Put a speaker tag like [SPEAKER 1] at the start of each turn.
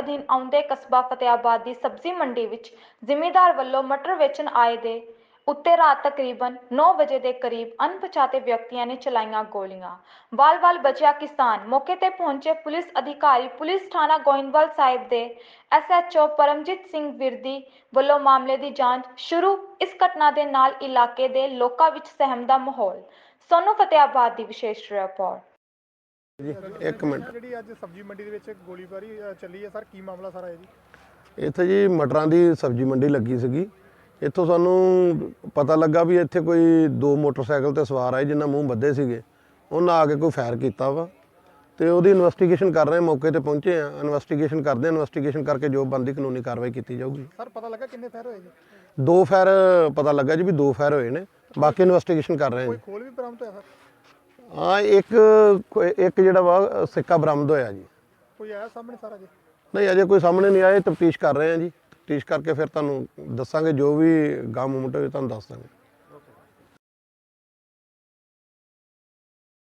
[SPEAKER 1] ਅਧੀਨ ਆਉਂਦੇ ਕਸਬਾ ਫਤਿਆਬਾਦ ਦੀ ਸਬਜ਼ੀ ਮੰਡੀ ਵਿੱਚ ਜ਼ਿਮੀਂਦਾਰ ਵੱਲੋਂ ਮਟਰ ਵੇਚਣ ਆਏ ਦੇ ਉੱਤੇ ਰਾਤ ਤਕਰੀਬਨ 9 ਵਜੇ ਦੇ ਕਰੀਬ ਅਣਪਛਾਤੇ ਵਿਅਕਤੀਆਂ ਨੇ ਚਲਾਈਆਂ ਗੋਲੀਆਂ। ਵਾਲ-ਵਾਲ ਬਚਿਆ ਕਿਸਾਨ। ਮੌਕੇ ਤੇ ਪਹੁੰਚੇ ਪੁਲਿਸ ਅਧਿਕਾਰੀ ਪੁਲਿਸ ਥਾਣਾ ਗੋਇੰਦਵਾਲ ਸਾਹਿਬ ਦੇ SHO ਪਰਮਜੀਤ ਸਿੰਘ ਵਿਰਦੀ ਵੱਲੋਂ ਮਾਮਲੇ ਦੀ ਜਾਂਚ ਸ਼ੁਰੂ। ਇਸ ਘਟਨਾ ਦੇ ਨਾਲ ਇਲਾਕੇ ਦੇ ਲੋਕਾਂ ਵਿੱਚ ਸਹਿਮ ਦਾ ਮਾਹੌਲ। ਸੋਨੂੰ ਫਤਿਆਬਾਦ ਦੀ ਵਿਸ਼ੇਸ਼ ਰਿਪੋਰਟ।
[SPEAKER 2] जी एक मिनट
[SPEAKER 3] ਜਿਹੜੀ ਅੱਜ ਸਬਜ਼ੀ ਮੰਡੀ ਦੇ ਵਿੱਚ ਗੋਲੀਬਾਰੀ ਚੱਲੀ ਹੈ ਸਰ, ਕੀ ਮਾਮਲਾ ਸਾਰਾ ਹੈ ਜੀ?
[SPEAKER 2] ਇੱਥੇ ਜੀ ਮਟਰਾਂ ਦੀ ਸਬਜ਼ੀ ਮੰਡੀ ਲੱਗੀ ਸੀਗੀ। ਇੱਥੋਂ ਸਾਨੂੰ ਪਤਾ ਲੱਗਾ ਵੀ ਇੱਥੇ ਕੋਈ ਦੋ ਮੋਟਰਸਾਈਕਲ ਤੇ ਸਵਾਰ ਆਏ ਜਿਨ੍ਹਾਂ ਮੂੰਹ ਬੱਧੇ ਸੀਗੇ। ਉਹਨਾਂ ਆ ਕੇ ਕੋਈ ਫਾਇਰ ਕੀਤਾ ਵਾ ਤੇ ਉਹਦੀ ਇਨਵੈਸਟੀਗੇਸ਼ਨ ਕਰ ਰਹੇ। ਮੌਕੇ ਤੇ ਪਹੁੰਚੇ ਆ, ਇਨਵੈਸਟੀਗੇਸ਼ਨ ਕਰਦੇ ਆ। ਇਨਵੈਸਟੀਗੇਸ਼ਨ ਕਰਕੇ ਜੋ ਬਣਦੀ ਕਾਨੂੰਨੀ ਕਾਰਵਾਈ ਕੀਤੀ ਜਾਊਗੀ।
[SPEAKER 3] ਸਰ ਪਤਾ ਲੱਗਾ ਕਿੰਨੇ ਫਾਇਰ ਹੋਏ ਜੀ?
[SPEAKER 2] ਦੋ ਫਾਇਰ ਪਤਾ ਲੱਗਾ ਜੀ ਵੀ ਦੋ ਫਾਇਰ ਹੋਏ ਨੇ। ਬਾਕੀ ਇਨਵੈਸਟੀਗੇਸ਼ਨ ਕਰ ਰਹੇ ਆ
[SPEAKER 3] ਕੋਈ
[SPEAKER 2] ਜੀ।
[SPEAKER 3] ਖੋਲ ਵੀ ਬਰਾਮਦ ਹੋਇਆ ਸਰ?
[SPEAKER 2] ਹਾਂ ਇੱਕ ਜਿਹੜਾ ਵਾ ਸਿੱਕਾ ਬਰਾਮਦ ਹੋਇਆ ਜੀ।
[SPEAKER 3] ਕੋਈ ਆਇਆ ਸਾਹਮਣੇ ਸਾਰਾ ਜੀ?
[SPEAKER 2] ਨਹੀਂ ਅਜੇ ਕੋਈ ਸਾਹਮਣੇ ਨਹੀਂ ਆਇਆ। ਤਫਤੀਸ਼ ਕਰ ਰਹੇ ਆ ਜੀ। ਤਫਤੀਸ਼ ਕਰਕੇ ਫਿਰ ਤੁਹਾਨੂੰ ਦੱਸਾਂਗੇ, ਜੋ ਵੀ ਗਾਮ ਮੂਮੈਂਟ ਹੋਵੇ ਤੁਹਾਨੂੰ ਦੱਸ ਦਾਂਗੇ।